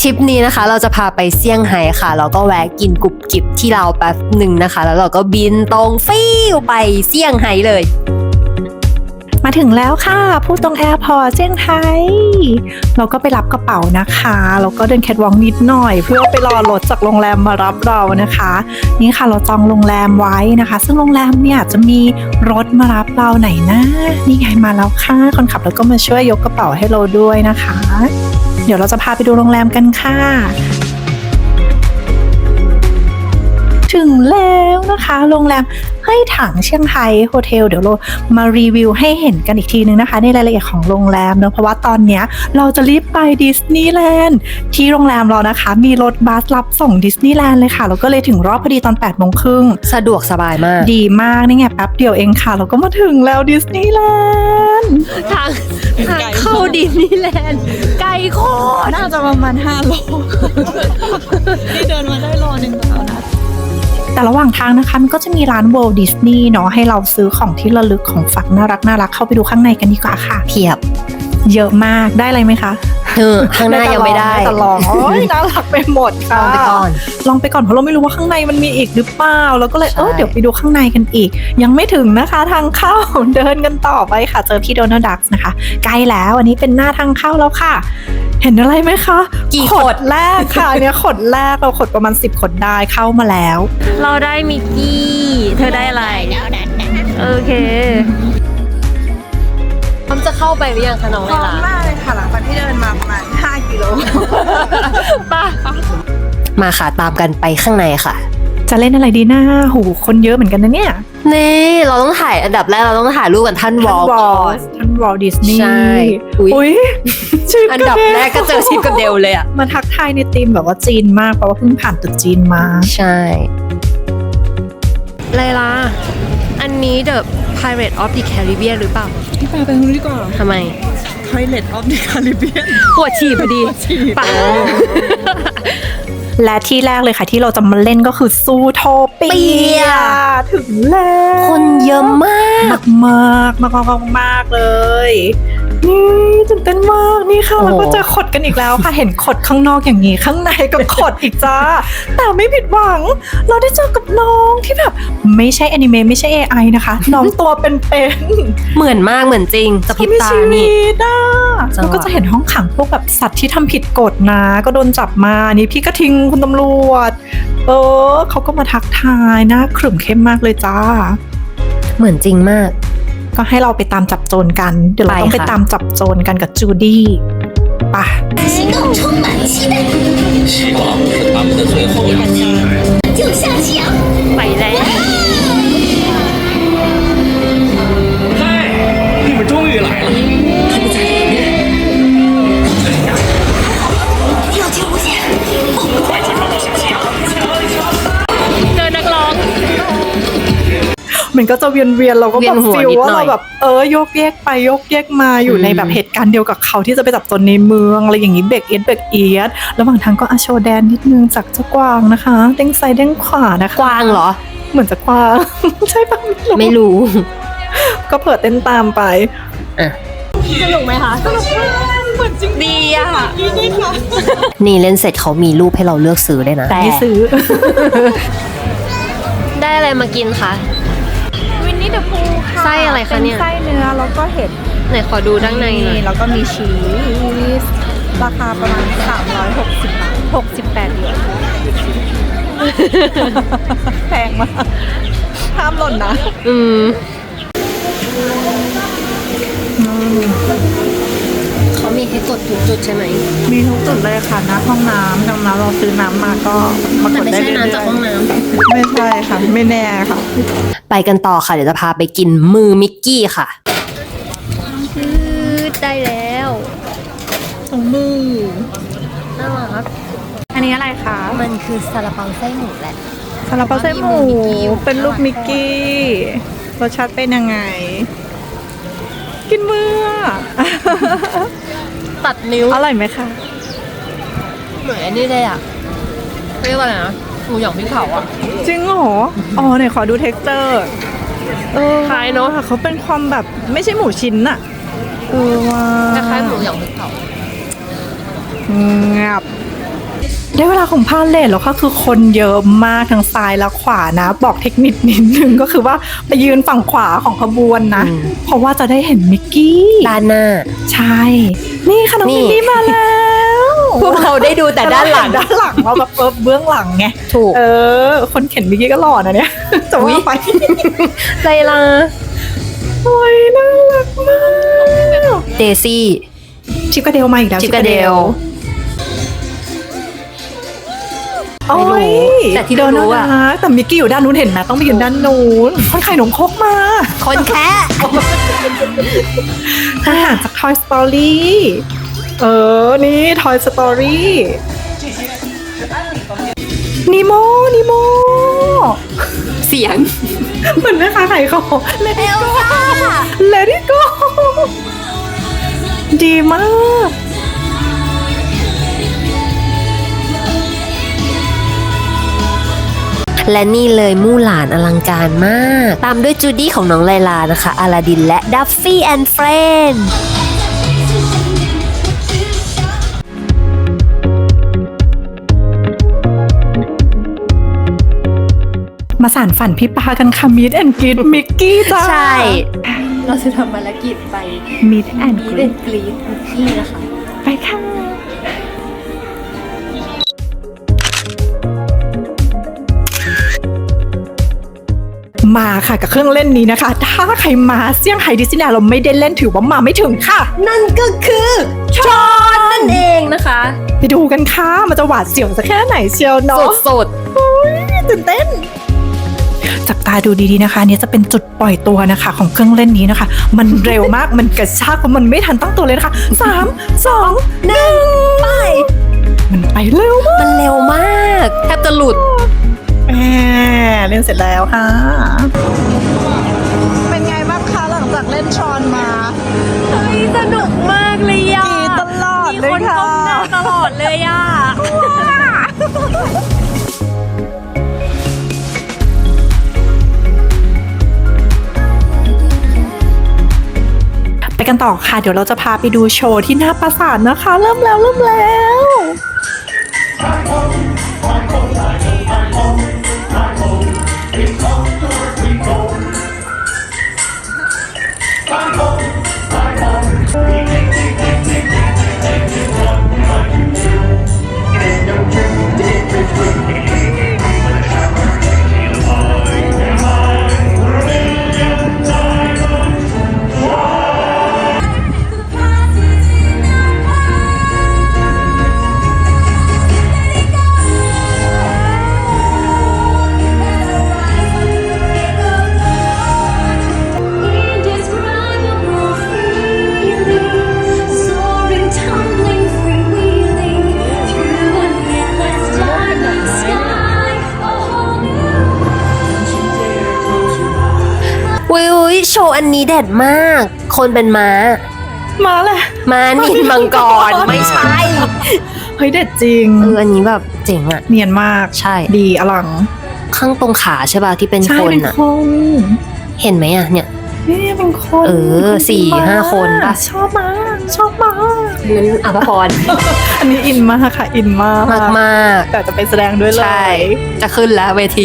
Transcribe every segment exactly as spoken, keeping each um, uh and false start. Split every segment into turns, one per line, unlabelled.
ทริปนี้นะคะเราจะพาไปเซี่ยงไฮ้ค่ะแล้วก็แวะกินกรุบกริบที่เราแป๊บหนึ่งนะคะแล้วเราก็บินตรงฟิวไปเซี่ยงไฮ้เลย
มาถึงแล้วค่ะผู้ตรงแอร์พอร์ตเซี่ยงไฮ้เราก็ไปรับกระเป๋านะคะแล้วก็เดินแคทวอล์กนิดหน่อยเพื่อไปรอรถจากโรงแรมมารับเรานะคะนี่ค่ะเราจองโรงแรมไว้นะคะซึ่งโรงแรมเนี่ยจะมีรถมารับเราไหนนะนี่ไงมาแล้วค่ะคนขับแล้วก็มาช่วยยกกระเป๋าให้เราด้วยนะคะเดี๋ยวเราจะพาไปดูโรงแรมกันค่ะถึงแล้วนะคะโรงแรมเฮ้ยถังเซี่ยงไฮ้โฮเทลเดี๋ยวเรามารีวิวให้เห็นกันอีกทีนึงนะคะในรายละเอียดของโรงแรมเนอะเพราะว่าตอนนี้เราจะรีบไปดิสนีย์แลนด์ที่โรงแรมเรานะคะมีรถบัสรับส่งดิสนีย์แลนด์เลยค่ะเราก็เลยถึงรอบพอดีตอนแปดโมงครึ่ง
สะดวกสบายมาก
ดีมากนี่ไงแป๊บเดียวเองค่ะเราก็มาถึงแล้วดิสนีย์แลนด์
ทางทางเข้าดิสนีย์แลนด์ไกลโคตร
น่าจะประมาณห้าโลนี่เดินมาได้โลนึงแล้วนะแต่ระหว่างทางนะคะมันก็จะมีร้าน Walt Disney เนาะให้เราซื้อของที่ระลึกของฝากน่ารักน่ารักเข้าไปดูข้างในกันดีกว่าค่ะ
เพียบ
เยอะมากได้อะไรไหมคะ
เออข้างหน้ายังไม่ได้
แต่ลองโอ้ยน่ารักไปหมดค่ะลองไปก่อนลองไปก่อนเพราะเราไม่รู้ว่าข้างในมันมีอีกหรือเปล่าเราก็เลยเออเดี๋ยวไปดูข้างในกันอีกยังไม่ถึงนะคะทางเข้าเดินกันต่อไปค่ะเจอพี่โดนัลด์ดักส์นะคะใกล้แล้วอันนี้เป็นหน้าทางเข้าแล้วค่ะเห็นอะไรไหมคะ
กี่
ขดแรกค่ะเนี่ยขดแรกเราขดประมาณสิบขดได้เข้ามาแล้ว
เราได้มิกกี้เธอได้อะไรโอเคพร้อมจะเข้าไปหรือยังคะน้องไลลาพร้อ
มมากเลยค่ะหลังจากที่เดินมาประมาณห้ากิโล
ป่ะมาค่ะตามกันไปข้างในค่ะ
จะเล่นอะไรดีนะหูคนเยอะเหมือนกันนะเนี่ย
นี่เราต้องถ่ายอันดับแรกเราต้องถ่ายรูปกับท่านวอลก่อน
ท่านวอลดิสนีย์
ใช่
อุ้ย
อันดับแรกก็เจอชิปกับเดลเลยอะ
มาทักทายในธีมแบบว่าจีนมากเพราะว่าเพิ่งผ่านตึกจีนมา
ใช่ไลลาอันนี้ The Pirate of the Caribbean หรือเปล่า
พี่ปาไปตรงนี้ดีกว่า
ทำไม
Pirate of the Caribbean
ปวดฉี่พอดีปะ
และที่แรกเลยค่ะที่เราจะมาเล่นก็คือซูโทเปียถึงแล้ว
คนเยอะมาก
มากมากมากมากมากเลยนี่ตื่นเต้นมากนี่ค่ะแล้วก็จะขดกันอีกแล้วค่ะเห็นขดข้างนอกอย่างนี้ข้างในก็ขดอีกจ้าแต่ไม่ผิดหวังเราได้เจอกับน้องที่แบบไม่ใช่แอนิเมะไม่ใช่ เอ ไอ นะคะน้องตัวเป็น
ๆเหมือนมากเหมือนจริงจะพิบตานี่
แล้วก็จะเห็นห้องขังพวกแบบสัตว์ที่ทำผิดกฎนะก็โดนจับมานี่พี่ก็ทิ้งคุณตำรวจเออเขาก็มาทักทายหน้าขรึมเข้มมากเลยจ้า
เหมือนจริงมาก
ก็ให้เราไปตามจับโจรกันเดี๋ยวเราต้องไปตามจับโจรกันกับจูดี้ป่ะ
行动充满期待希望是他们的最后一击就像夕阳
ไปแล้ว
嗨你们终于来了他们在里面要救不险快去帮我小心啊
เจอนักร้อง
มันก็จะเวียนเวียนเราก็แบบฟีลว่าเราแบบเออโยกแยกไปโยกแยกมาอยู่ในแบบเหตุการณ์เดียวกับเขาที่จะไปจับโจรในเมืองอะไรอย่างนี้เบรกเอียดเบรกเอียดแล้วบางทางก็อาโชแดนนิดนึงจากเจ้ากวางนะคะเด้งซ้ายเด้งขวานะคะ
กวางเหรอ
เหมือนจะกวางใช่ปะ
ไม่รู้
ก็เปิดเต้นตามไป
อ่ะ
สนุกไหมคะสนุกมากเหมือนจริง
ดีอะค่ะนี่เล่นเสร็จเขามีรูปให้เราเลือกซื้อได้นะ
แต่ไม่ซื้อ
ได้อะไรมากินคะ
วินนี่เดอะพูค่ะ
ไส้อะไรคะเนี่ย
ไส้เนื้อแล้วก็เห็ด
ไหนขอดูด้านในหน่อย
แล้วก็มีชีสราคาประมาณสามร้อยหกสิบบาทหกสิบแปดหยวนแพงมากห้ามหล่นนะ
อืมเขามีให้กดทุกจุดใช่ไหม
มีทุกจุดเลยค่ะนะห้องน้ำดังนั้นเราซื้อน้ำมาก็มากดได้เลย
ไม่ใช่น้ำจากห้องน้ำ
ไม่ใช่ค่ะไม่แน่ค่ะ
ไปกันต่อค่ะเดี๋ยวจะพาไปกินมือมิกกี้ค่ะได้แล้ว
ถุงมือ
น่ารัก
อันนี้อะไรคะ
มันคือซาลาเปาไส้หมูแหละ
ซาลาเปาไส้หมูเป็นรูปมิกกี้รสชาติเป็นยังไงกินมือ
ตัดนิ้ว
อร่อยไหมคะ
เหมือนอันนี้เลยอ่ะเรียกว่าอะไรนะหมูหยองพริกเผาอ่ะ
จริงเหรออ๋อไหนขอดูเท็กเจอร์เออ
คล้ายเนาะ
เขาเป็นความแบบไม่ใช่หมูชิ้นอะเออว่า
คล้ายหมูหยองพริกเผา
งับได้เวลาของพาเลทแล้วค่ะคือคนเยอะมากทั้งซ้ายและขวานะ บอกเทคนิคนิดนึงก็คือว่าไปยืนฝั่งขวาของขบวนนะ
อืม
เพราะว่าจะได้เห็นมิกกี้
ด้านหน้า
ใช่ นี่ค่ะน้อง
นี่
มิกกี้มาแล้ว
พวกเราได้ดูแต่ด้านหลัง
ด้านหลังเราแบบเปิบเบื้องหลังไง
ถูก
เออ คนเข็นมิกกี้ก็หล่อนะเนี่ยจะว่าไป
ไลลา
โอ้ยน่ารักมาก
เดซี่
ชิปกระเดลมาอีกแล้ว
ชิปกระเดล
โอ้
ไม่
ย
รู้แต่ที่เรารู้อะ
เดินน่ารักแต่มิกกี้อยู่ด้านนู้นเห็นไหมต้องไปยืนด้านนู้นคนไข่นมครกมา
คนแคะ
อาหารจาก Toy Story เออ นี่ Toy Story นิโมนิโม
เสียง
เหมือนแม่ค้าขายของ Let it go Let it go ดีมาก
และนี่เลยมู่หลานอลังการมาก ตามด้วยจูดี้ของน้องไลลานะคะอลาดินและดัฟฟี่แอนด์เฟรนด์
มาสานฝันพี่ปากันค่ะ Meet and Greet มิกกี้จ้า
ใช่ เราจะทำภารกิจไป
Meet and
มี
Greet
เล่นกรีดมิกกี้นะคะ
ไปค่ะ มาค่ะกับเครื่องเล่นนี้นะคะ ถ้าใครมาเซี่ยงไฮ้ดิสนีย์แลนด์เราไม่ได้เล่นถือว่ามาไม่ถึงค่ะ
นั่นก็คือชอนนั่นเองนะคะ
ไปดูกันค่ะ มันจะหวาดเสียวสักแค่ไหนเชียวเนาะ
สุด
ตื่นเต้น จับตาดูดีๆนะคะอันนี้จะเป็นจุดปล่อยตัวนะคะ ของเครื่องเล่นนี้นะคะ มันเร็วมาก มันกระชากเพราะมันไม่ทันตั้งตัวเลยนะคะสามสองหนึ่ง
ๆไป
มันไปเร็วมาก
มันเร็วมากแทบจะหลุด
แหมเล่นเสร็จแล้วค่ะ เป็นไงบ้างคะหลังจากเล่นชอนมา
เฮ้ยสนุกมากเลยอ่ะ
ดีตลอดเลยค่ะ
มีคนก้มหน้าตลอดเลยอ่ะ
ไปกันต่อค่ะ เดี๋ยวเราจะพาไปดูโชว์ที่หน้าปราสาทนะคะ เริ่มแล้วเริ่มแล้ว
Indescribable feeling, soaring, tumbling, freewheeling through an endless diamond sky. A whole new
อุ้ยอุ้ยโชว์อันนี้เด็ดมาก คนเป็นม้า
มาเลย
ม้านินมังกร ไม่ใช่
เฮ้ยเด็ดจริง
เอออันนี้แบบเจ๋งอ่ะ
เนียนมาก
ใช่
ดีอลัง
ข้างตรงขาใช่ป่ะที่เป็น
ใช่
คน
เป็น
อ่ะ
คน
เห็นไหมอ่ะเนี่ย
นี่เป็นคน
เออสี่ห้าคนปะ
ชอบมากชอบมาก
นั้นอภพร
อันนี้อินมากค่ะ อินมาก
มากมาก
แต่จะไปแสดงด้วยเล
ใช่
ย
จะขึ้นแล้วเวที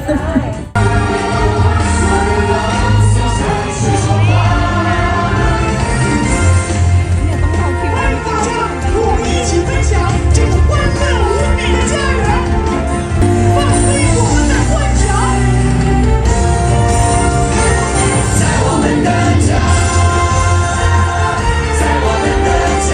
我们一起分享这个欢乐无比的家园，放飞我们的幻想。在我们的家，在我们的家。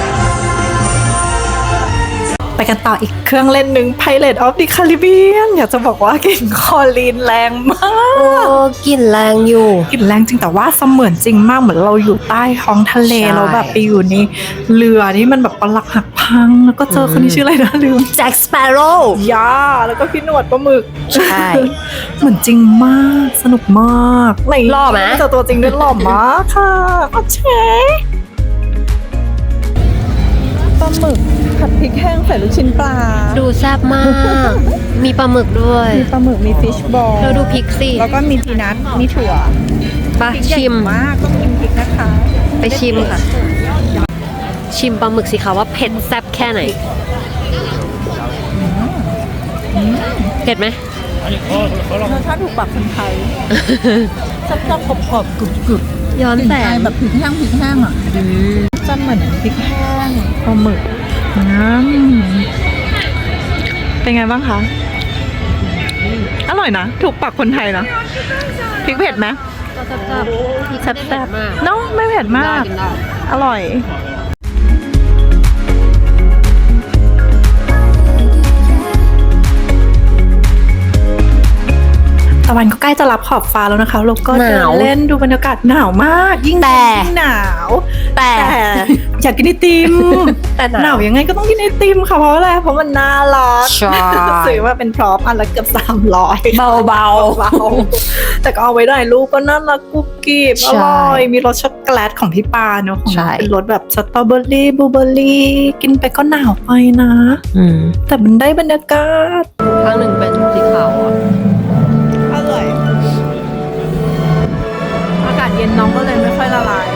ไปกันต่ออีกเครื่องเล่นหนึ่ง Pirate of the Caribbean อยากจะบอกว่ากลิ่นคลอรีนแรงมาก
โอ้กลิ่นแรงอยู่
กลิ่นแรงจริงแต่ว่าเสมือนจริงมากเหมือนเราอยู่ใต้ท้องทะเล
ใช่
เราแบบไปอยู่ในเรือที่มันแบบปลักหักพัง แล้วก็เจอคนที่ชื่ออะไรนะลืม
แจ็คสเปโร่
ย่าแล้วก็พี่หนวดปลาหมึก
ใช่
เหมือนจริงมากสนุกมากไหน
หล่อไหม
เจอตัวจริงด้วยหล่อมากค่ะโอเคปลาหมึกผัดพริกแห้งใส่ลูกชิ้นปลา
ดูแซ่บมาก มีปลาหมึกด้วย
มีปลาหมึกมีฟิชบอล
เราดูพริกสิ
แล้วก็มีพีนัทมีถั่ว
ไปชิม
มากต้องกินพริกนะคะ
ไปชิมค่ะ ชิมปลาหมึกสิคะว่าเผ็ดแซ่บแค่ไหน
อืม
เผ็ดไหม
รสชาติถูกปากคนไทยจับจับกรอบกรอบกรุบกรุบ
ย้อนแสง
แบบพริกแห้งพริกแห้งอ่ะ
อืม
จันเหมือนพริกแห้งปลาหมึกน้ำเป็นไงบ้างคะ อร่อยนะ ถูกปากคนไทยนะพริกเผ็ดไหม
ก็แซ่บๆพริก
แซ่
ไม่เผ็ด
บ
มาก
ๆเนาะไม่เผ็ดมาก
กินได้
อร่อย ตะวันก็ใกล้จะรับขอบฟ้าแล้วนะคะแล้วก็
ห
เดิ
นาน ว
เล่นดูบรรยากาศหนาวมาก ยิ่ง
แต่
ยิ่งหนาว
แต่
แต่อยากกินไอติม
แต่หนาว
หนาวยังไงก็ต้องกินไอติมค่ะเพราะอะไรเพราะมันน่ารัก
ใช่
ซื้อมาเป็นพร้อมอันละเกือบสามร้อย
เบาๆ
เบาๆแต่ก็เอาไว้ได้ลูกก็น่ารักกุ๊บกิ๊บ
ใช่
อร่อยมีรสช็อกโกแลตของพี่ปาเนอะของ
ใช่
เป็นรสแบบสตรอเบอรี่บลูเบอรี่กินไปก็หนาวไปนะ
อืม
แต่มันได้บรรยากาศ
ข้างหนึ่งเป็นสีขาวอ่ะ
อร่อยอากาศเย็นน้องก็เลยไม่ค่อยละลาย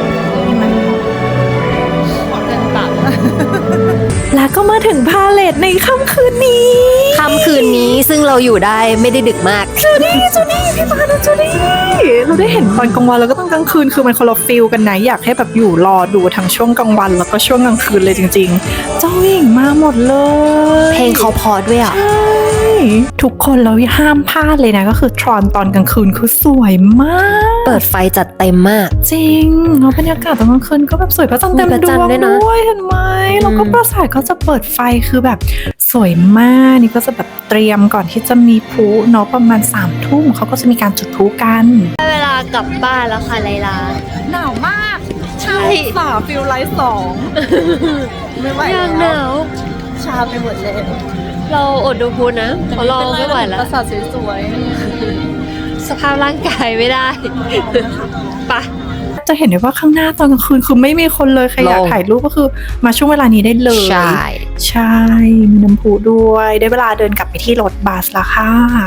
เส้นตัด
แล้วก็มาถึงพาเลทในค่ำคืนนี้
ค่ำคืนนี้ซึ่งเราอยู่ได้ไม่ได้ดึกมาก
จูดี้จูดี้พี่ปานะจูดี้เราได้เห็นตอนกลางวันแล้วก็ต้องกลางคืนคือมันคนละฟิลกันนะอยากให้แบบอยู่รอดูทั้งช่วงกลางวันแล้วก็ช่วงกลางคืนเลยจริงๆ เจ้าหญิงมาหมดเลย
เพลงเขาพอด้วยอ่ะ
ใช่ทุกคนเราห้ามพลาดเลยนะก็คือทรอนตอนกลางคืนคือสวยมาก
เปิดไฟจัดเต็มมาก
จริงแล้วบรรยากาศตอนกลางคืนก็แบบสวยพระจันทร์เต็ม
มีพระ
ด
จันท
ว
ร์
ง
ด้วยนะ
ด้วยเห็นไหมแล้วก็ปราสาทก็จะเปิดไฟคือแบบสวยมากนี่ก็จะแบบเตรียมก่อนที่จะมีพลุเนาะประมาณสามทุ่มเขาก็จะมีการจุดพลุกัน
ได้เวลากลับบ้านแล้วค่ะไลลา
หนาวมาก
ใช่
สามฟิลไลท์สองไม่ไหว
ยังห
แล้ว
นาว
ชาไปหมดเลย
เราอดดูพูนะเพราะเราไม่ไหวแล้ว
ปราสาทสวย
สภาพร่างกายไม่ได้ไปะ
จะเห็นได้ว่าข้างหน้าตอนกลางคืนคือไม่มีคนเลยใครอยาก
โล่ง
ถ่ายรูปก็คือมาช่วงเวลานี้ได้เลย
ใช่
ใช่ มีน้ำพุด้วยได้เวลาเดินกลับไปที่รถบัสแล้วค่ะ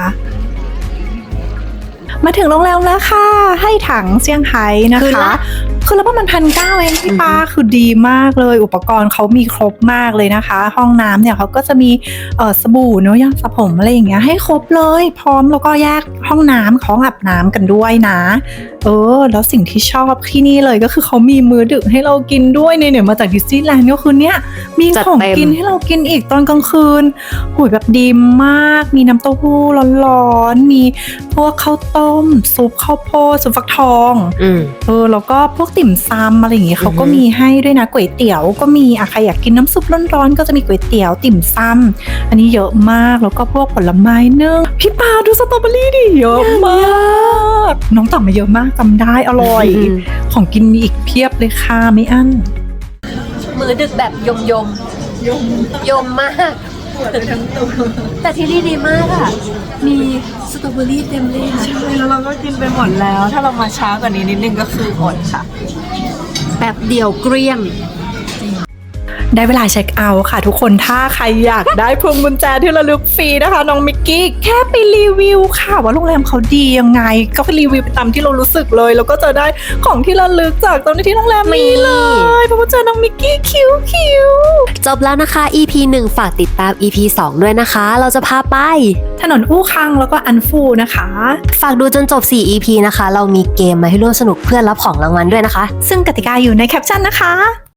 มาถึงโรงแรมแล้วค่ะ ให้ถังเซี่ยงไฮ้นะ
คืน
คะ
ละ
คือแล้วประมาณพันเก้าเองพี่ปาคือดีมากเลย อุปกรณ์เขามีครบมากเลยนะคะ ห้องน้ำเนี่ยเขาก็จะมีเอ่อสบู่เนอะยาสระผมอะไรอย่างเงี้ยให้ครบเลย พร้อมแล้วก็แยกห้องน้ำของอาบน้ำกันด้วยนะ เออ แล้วสิ่งที่ชอบที่นี่เลยก็คือเขามีมื้อดึกให้เรากินด้วยเนี่ยเนี่ยมาจากดิสนีย์แลนด์ก็คือเนี่ยมี
จัด
ของ
เต็ม
กินให้เรากินอีกตอนกลางคืนหุยแบบดีมาก มีน้ำเต้าหู้ร้อนๆมีพวกข้าวต้มซุปข้าวโพดซุปฟักทอง
อืม
เออแล้วก็พวกติ่มซำอะไรอย่างเงี้ยเขาก็
อือฮึ
มีให้ด้วยนะก๋วยเตี๋ยวก็มีอะใครอยากกินน้ำซุปร้อนๆก็จะมีก๋วยเตี๋ยวติ่มซำอันนี้เยอะมากแล้วก็พวกผลไม้เนื้อพี่ปาดูสตรอเบอรี่ดิเยอะมากน้องตักมาเยอะมากจำได้อร่อย
อืม
ของกินมีอีกเพียบเลยค่ะไม่อั้น
มือดึกแบบยมยมยมยมมากแต่ที่นี่ดีมากอ่ะ มีสตรอเบอรี่เต็มเลยอะ
แล้วเราก็กินไปหมดแล้ว ถ้าเรามาช้ากว่านี้นิดนึงก็คืออดค่ะ
แบบเดี่ยวเกรียม
ได้เวลาเช็คเอาท์ค่ะทุกคนถ้าใครอยากได้พวงกุญแจที่ระลึกฟรีนะคะน้องมิกกี้แค่ไปรีวิวค่ะว่าโรงแรมเขาดียังไง ก็รีวิวไปตามที่เรารู้สึกเลย แล้วก็จะได้ของที่ระลึกจากตอนที่โรงแรมนี้เลยเพราะว่าเจอน้องมิกกี้คิ้วคิ้ว
จบแล้วนะคะ อี พี หนึ่งฝากติดตาม อี พี สอง ด้วยนะคะ เราจะพาไป
ถนนอู้คังแล้วก็อันฟูนะคะ
ฝากดูจนจบ สี่ อี พี นะคะ เรามีเกมมาให้ร่วมสนุกเพื่อรับของรางวัลด้วยนะคะ
ซึ่งกติกาอยู่ในแคปชั่นนะคะ